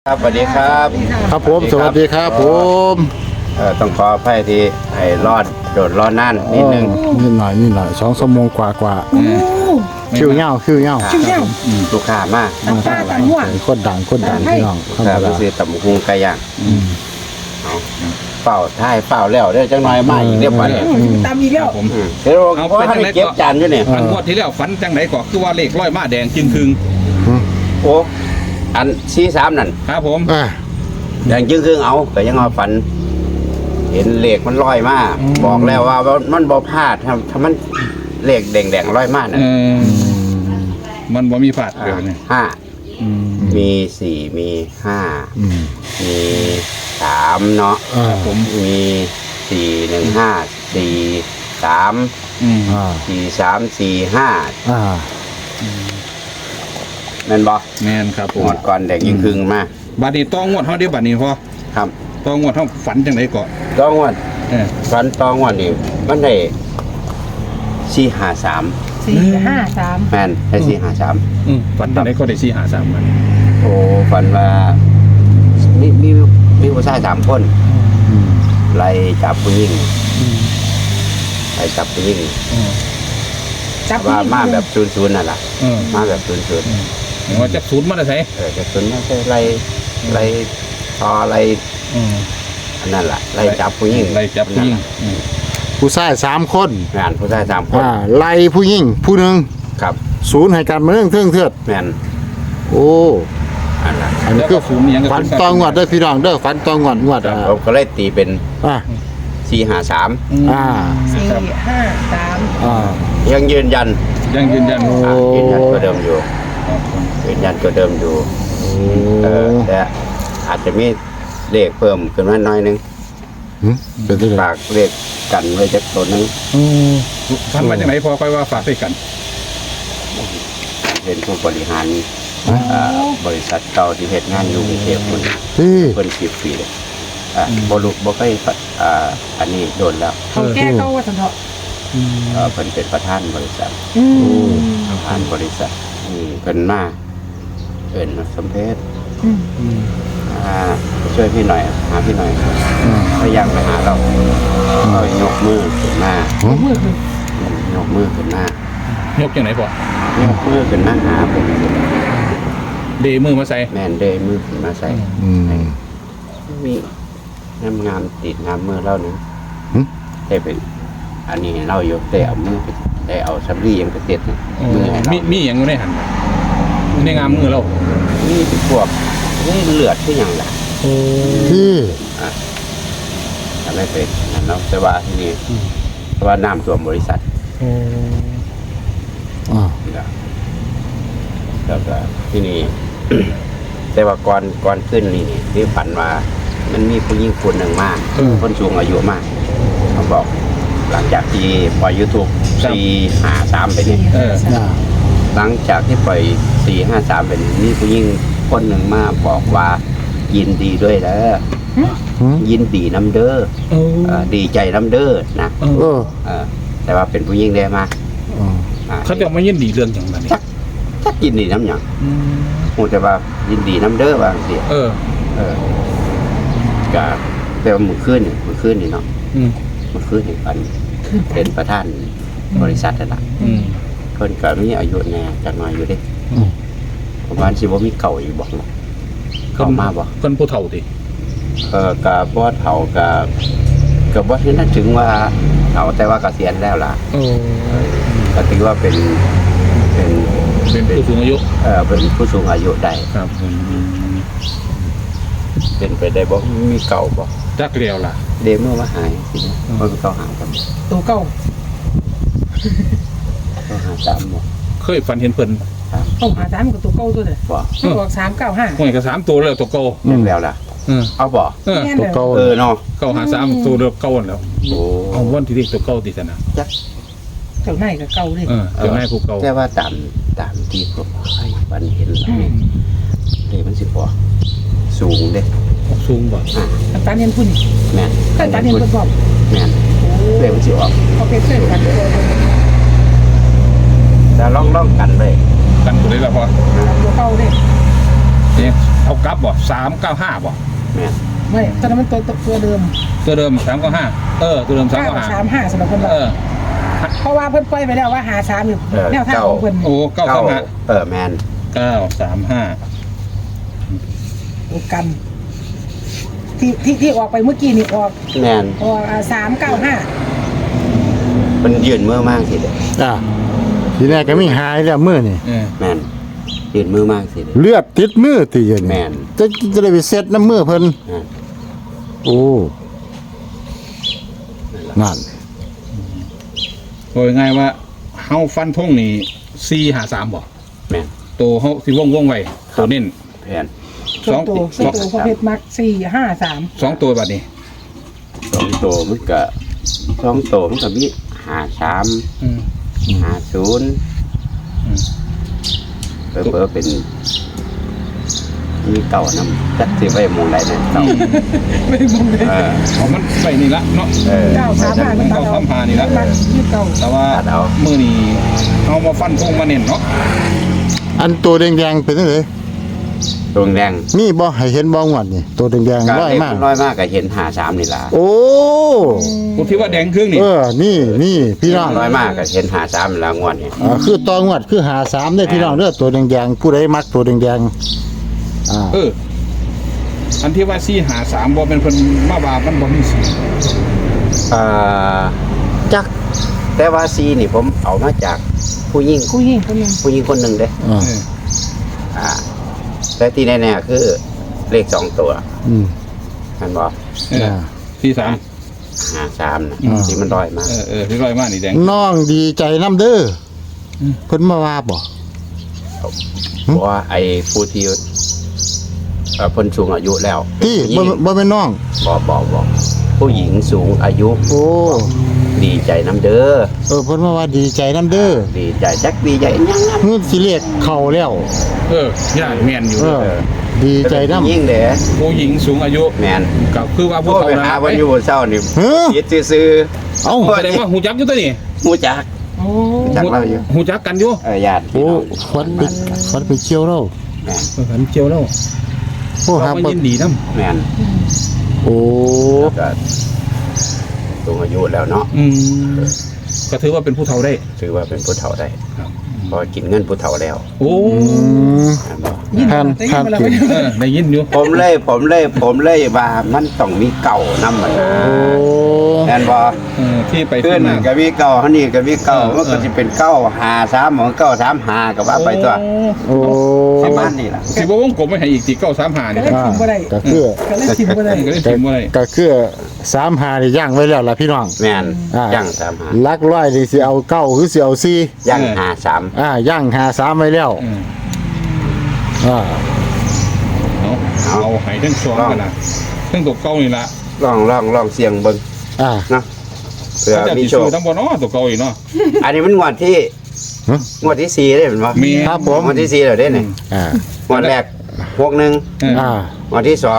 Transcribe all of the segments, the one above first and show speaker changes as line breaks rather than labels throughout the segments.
ครับสวัสดีครับ
ครับผมสวัสดีครับผม
ต้องขออภัยที่ให้รอดโดดรอดนั่นนิดนึง
นิดหน่อย2 ชั่วโมงกว่าคิวเงา
ลูกค้ามาก
คนดังพี่น้องธรรม
ครับ
ดา
คือตำบักหุงไก่ย่างเอาเป่าท้ายเป่าแล้วเด้อจังหน่อยมาอีกเรียบร้อยเลย
ตามอีกแล้ว
ผม
เดี๋ยวเพราะให้เก็บจานอยู่เนี่ย
อันงวดที่แล้วฝันจังไหนก็คือว่าเลขร้อยมาแดงจึงคืง
โอ้อัน43นั่น
ครับผม
แดงจึงครึ่งเอาก็ยังเอาฝัน เห็นเลขมันลอยมาบอกแล้วว่ามันบ่พลาดถ้ามันเลขแดงๆลอยมาน่ะ
มันบ่มีผาดเดี๋ยวนี้
ห้ามี4มี5มี3เนาะ
ผม
มี4 1 5 4 3 4 3 4 5แม่นบ่
แมนครับผม
งวดก่อนแดงยิงครึ่งมา
บัดนี้ต้องงวดเฮาเดี๋ยวบัดนี้พอ
ครับ
ต้องงวดเฮาฝันจังไหนก็
ต้องงวด
เออ
ฟันต้องงวดนี่มันได้453
4-5-3
แม่นได้453
ฝันจังไหนก็ได้453มัน
โอ้ฝันว่ามีผู้ชาย3คนไล่จับผู้หญิงไล่จับผู้หญิง
จับ
ว่ามาแบบ00นั่นล่ะ
เออ
มาแบบ00
เห็นว่าจับศูนย์มาได้ไส
จะ00ไม่ใช่ไล่ทอไล่อันนั้นล่ะไล่จับผู้หญิง
ไล่จับผู้หญิง
ผู้ชาย3 คน
งานผู้ชาย3คน
ไล่ผู้หญิงผู้หนึ่ง
ครับ
ศูนย์ให้การมาเรื่องเทื่อ
แม่น
โอ้
อันนั้น
อันนี้คือฝันตองวดเด้อพี่น้องเด้อฝันตองวด
ผมก็เลยตีเป็น 453
4-5-3
ยังยืนยัน
ยังยืนยัน
ยืนยันตัวเดิมอยู่ยืนยันตัวเดิมอยู่แต่อาจจะมีเลขเพิ่มขึ้นมาหน่อยนึง
เป็นตัว
ฝากเลขกันไว้จักตัวนึง
ฝันว่าจังไหนพอค่อยว่าฝากไปกัน
เป็นผู้บริหารบริษัทเก่าที่เฮ็ดงานอยู่กรุงเทพฯ
ที่
เพิ่น10 ปีเลยบ่เคยอันนี้โดนแล้ว
เขาแก้เขาว่าสันเถาะ
เพิ่นเป็นประธานบริษัทประธานบริษัทเพิ่นมาเอิ้นสมเพชช่วยพี่หน่อยหาพี่หน่อยพยายามไปหาเรายกมือขึ้นมายกมือขึ้นมาย
กจังไหนพอย
กมือขึ้นมาหาผม
เดมือมาใส่
แม่นเดยมือขึ้นมาใส่มีน้ำงามติดน้ำมือเราหนึ่งแต่เป็นอันนี้เราอยู่แต่เอามือไปแต่เอาสำลียังไปเต็ดมือให้เรา
มีอย่างอยู่ในหันในงามมือเรา
นี่เป็นพวกนี่เลือดที่อย่างไร
ที่
ทำให้เป็นนั่นเนาะแต่ว่าที่นี่แต่ว่าน้ำท่วมบริษัทแล้วก็ที่นี่ แต่ว่าก่อนขึ้นนี่ที่ฝันว่ามันมีผู้หญิงคนหนึ่งมากคนสูงอายุมากเขาบอก หลังจากที่ปล่อย YouTube 453ไปนี่หลังจากที่ปล่อย453ไปนี่มีผู้หญิงคนหนึ่งมาบอกว่ายินดีด้วยแล้วยินดีน้ำเด้อดีใจน้ำเด้อนะแต่ว่าเป็นผู้หญิงได้มาก
เขาจะมายินดีเรื่องอย่างนั้น
ถ้ายินดีน้ำหยังคงจะว่ายินดีน้ำเด้อบางสิก็แต่ว่ามือขึ้นนี่เนาะมือขึ้นนี่ปันเป็นประธานบริษัทนั่นแหละคนก็มีอายุแน่จักหน่อยอยู่ดิประมาณสิบ่มีเก่าอยู่บอกเข้ามาบอก
คนผู้เฒ่าดิ
กับบ่เฒ่ากับบ่ที่นั่นถึงว่าเฒ่าแต่ว่าเกษียณแล้วล่ะก็ถือว่าเป็น
ผู้สูงอายุ
เป็นผู้สูงอายุได้
ครับ
เป็นไปได้บ่มีเก่าบ่
จักเรียวล่ะ
เดเมื่อว่าหายสินะมันเก่าหายกัน
ตัวเก่า
เขาหาตามบ่
เคยฝันเห็นเพิ่น
เข้าหา3กับตัวเก่าตัวเด้อ
บ่
มันบอก395
ห่วยกับ3ตัวแล้วตัวเก่า
แล้วล่ะเอาบ่
ตัวเก่า
เนาะ
เก่าหา3ตัวเก่าแล้ว
โอ้
เอาวันที่เด็กตัวเก่าติสนะ
จัก
เจ้าไหนกับเก่าเลย
เจ้านายผู้เก่า
แต่ว่าตามที่พวกให้ฝันเห็นแล้วนี่มันสิบ่สูงเด้
สูงบ่
ตาเนียนพุ่น
แม่น
ก็ตาเนียนพุ่นบอก
แม่นเลยมันสิออก
เขาเป็นเพื่อนกัน
แต่ลองกันเลย
กันตัวได้แล้วพอ
ตัวเก่าเลย
เนี่ยเอากลับบ่395บ่
แม่น
ไม่ตอนนั้นมันตัวเดิม
ตัวเดิม395ตัวเดิม
935สำหรับคนเราเพราะว่าเพิ่นปล่อยไปแล้วว่าหา3อยู่แนวทางของเพิ่น
โอ้935
แม่น
935
ตัวกันที่ออกไปเมื่อกี้นี่ออก
แม่น
395
มันยืนมือมากสิเด้อ
อ่ะทีแรกก็มีหายแล้วมือนี่
แม่นยืนมือมากสิเด้อ
เลือดติดมือตีอยู่
แม่
นี่
น
จะได้ไปเซ็ตน้ำมือเพิ่น
แม่น
โอ้นั่น
โดยง่ายว่าเฮาฟันธงนี่453บ่
แม่น
ตัวเฮาสิวงไว้ตัวเน้น
แผ่น
ส่วนตัวพอเพชรมัก453
2ตัวบัดนี้
2ตัวมันก็2ตัวมันก็มี53
อืม
50เบอร์เป็นมีเก่าน้ำจัดสิไว้หมองใดเนี่ยเก่า
ไม่มองเลย
เอามันไปนี่ละเนาะ
935มันตัดเอา
935นี่ละ
มันยี่เก่า
แต่ว่ามื้อนี้เฮามาฟันธงมาเน้นเนาะ
อันตัวแดงๆเป็นจังได๋
ดวงแดง
มีบ่ให้เห็นบ่งวดนี่ตัวแดง
ก็
ๆร้อย
เล็ก
มาก
น้อยมากก็เห็น53นี่ล่ะ
โอ้
ผมคิดว่าแดงครึ่งนี่
นี่พี่น้อง
น้อยมากก็เห็น53แล้วงวดนี้
คือตองวดคือหา3ได้พี่น้องเด้อตัวแดงๆผู้ใดมักตัวแดงๆ
อันที่ว่า453บ่เป็นเพิ่นมาว่ามันบ่มีสี
จักแต่ว่าซีนี่ผมเอามาจากผู้หญิง
ผู้หญิงคนนึง
ผู้หญิงคนหนึ่งเด้
อ่า
แต่ที่แน่ๆคือเลข2ตัว
อืม
มันบอก
43
53นะ
อ่า
ที่มันร้อยมาก
ที่ร้อยมากนี่แดง
น้องดีใจน้ำเด้อเพิ่นมาว่าบ่
เพราะว่าไอ้ผู้ที่คนสูงอายุแล้ว
ที่
ผู้หญิง
บ่แม่นน้อง
บอกผู้หญิงสูงอายุ
โอ้
ดีใจน้ำเด้อ
เพิ่นมาว่าดีใจน้ำเด้อ
ดีใจจักดีใจยังนะ
เฮือสิเรียกเข้าแล้ว
ย่าแม่นอยู่
ดีใจน้ำ
ยิ่งเด้อ
ผู้หญิงสูงอายุ
แมน
ก็คือว่า
โท
ผู้
ร
เฒ่า
ไป
นะ
หาวันอยู่บนเช้านี่
เฮ้อ
คิดซื่อ
เอ้า
แสดงว่าหูจักอยู่ตัวนี้
ๆมูจัก
โอ้
จักเราอยู่
หูจักกันอยู่
ญาติพี่
โอ้
น้อง
ฟันไปเกี่ยวแล้ว
แมน
หันเจียวแล้ว
โอ้หา
เรา
บ่
ยินดีนำ
แมน
โอ้
แล้วก็สูงอายุแล้วเนาะ
ก็ถือว่าเป็นผู้เฒ่าได้
ถือว่าเป็นผู้เฒ่าได้
ครับ
พอกินเงินผู้เฒ่าแล้ว
โอ้
แม่นบ่
ยิน
ท่าน
แต่
ท่าน
ยิน
กิน
ได้ยินอยู่
ผมเลยว่ามันต้องมีเก่านำมันนะ
โอ้
แม่นบ่
ที่ไป
ขึ้น
มา
ก็มีเก่าเฮานี่ก็มีเก่ามันก็สิเป็นเก่า53ของเก่า35ก็ว่าไปตัว
โอ้
ประมาณนี้ล่ะ
สิบ่วงกลมไม่ให้อีกที่935นี่
ก็เลยชิมบ่ได้
ก็คือ
ก็เลยชิมบ่ได้
ก็เลยพิมพ์บ่ได้
ก็คือ35นี่ย่างไว้แล้วล่ะพี่น้อง
แม่น
อ่า
ย่าง35
ลักร้อยนี่สิเอา9หรือสิเอา4
ย่าง53
ย่าง53ไว้แล้ว
อืม
อ่า
เอาให้ทั้งสองกันนะทั้งตัวเก่านี่ละ
ลองเสียงเบิ่ง
อ่า
นะเผื่อ
จะ
มี
สิ
โช
ซื้
ค
อทั้งบ่เนาะตัวเก่าอีกเนาะ
อันนี้มันงวดที่
ฮะ
งวดที่4ได้แม่นบ่
มี
ครับผม
งวดที่4แล้วเด้นี่
อ่าง
วดแรก61
อ่าง
วดที่2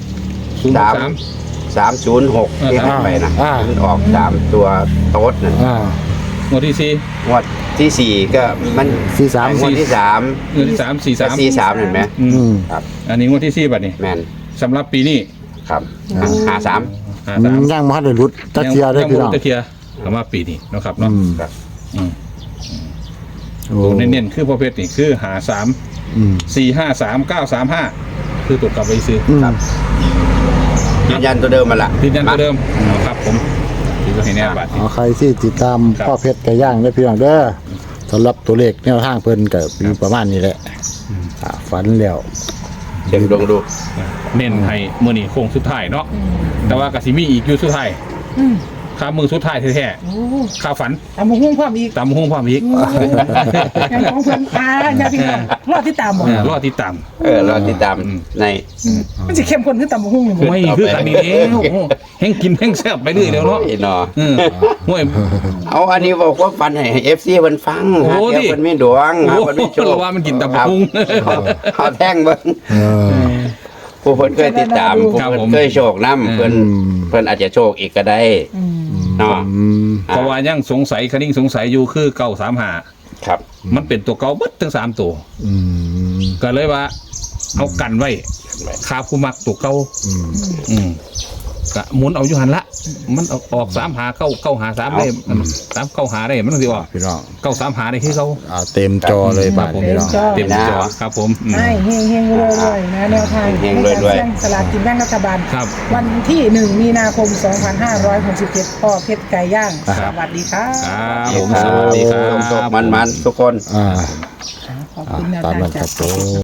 03
306ที่ให้ไปนะมันออก3ตัวโต๊ดน่ะ
งวดที่
งวดที่4ก็มัน
43
งวดที่3
4งวดที่3
ก็
43
43เห็นไหม
อืม
ครับ
อันนี้งวดที่4บัดนี้
แม่น
สำหรับปีนี้
ครับ53
53
ย่างบ่ทันได้หลุดตะเกียได้พี่น้อง
ตะเคียสำหรับปีนี้เนาะครับเนาะ
ครับ
อืม
โอ้
ตัวเน้นๆคือประเภทนี่คือ53
อืม
453 935คือตัวกลับไปซื้อ
อืม
ครับ ยืนยันตัวเดิมมาละ
ยืนยันตัวเดิมเอาครับผมที่ก็ให้แน่บัดนี้
เอาใครที่ติดตาม
ครับ
พ่อเพชรไก่ย่างได้พี่น้องเด้อสำหรับตัวเลขแนวทางเพิ่นก็มีประมาณนี้แหละฝันแล้ว
เชียงดวงดู
เน้นให้มื้อนี้โค้งสุดท้ายเนาะแต่ว่าก็สิมีอีกอยู่สุดท้าย
อืม
ค่ามือสุดท้ายแท้
โอ้
ๆค่าฝัน
ตามมาหุ้งความอีก
ตามหุ้งความอีก
ยังของเพิ่นญาติพี่น้องรอดที่ตามบ่
รอติดตาม
เราติดตามใน
มันสิเข้มข้นคือตามมาหุ้งนี่บ่
ไม่คือกันนี้แล้วแห้งกินแห้งแซ่บไปเรื่อยแล้วเนาะ
ไอ้หนอ
ห่วย
เอาอันนี้บอกว่าฟันให้เอฟซีมันฟัง
โอ้
หา
ดิ
เดี๋ยวมันไม่ดวงหามันไม่โชค
เราว่ามันกินตำบักหุ่ง
ครับเอาแท่งเบิ้ง
เออ
ผู้เพิ่นเคยติดตามผู้
ครับ
เพิ่น
ผม
เคยโชคน้ำเพิ่น
อืม
เพิ่นอาจจะโชคอีกก็ได้
อืม
เนาะ
อืม
เพราะว่ายังสงสัยคนิ่งสงสัยอยู่คือ935
ครับ
มันเป็นตัวเก่าเบิดทั้ง3ตัว
อืม
ก็เลยว่าเอากันไว้คาผู้มักตัวเก่า
อืม
กะหมุนเอาอยู่หันละมันออก3 หา9 หา 3ได้3 9 หาได้มันต้องสิออก
พี่น้อง
9 3 หาได้คือเขา
เต็มจอเลยบาท
ผม
พี่น้อง
เต็มจอครับผม
ให้เฮงๆรวยๆนะแนวทางในการเสี่ยงสลากกินแบ่งรัฐบาล
ครับ
วันที่ 1 มีนาคม 2567พ่อเพชรไก่ย่าง
ค
ส
รับ
วัสดีครับ
ครับผมสวัสดีครับ
มันๆทุกคน
อ่า
ขอบคุณแนว
ตาม
ทาง
นั้นค
จา
รั
ก
บผม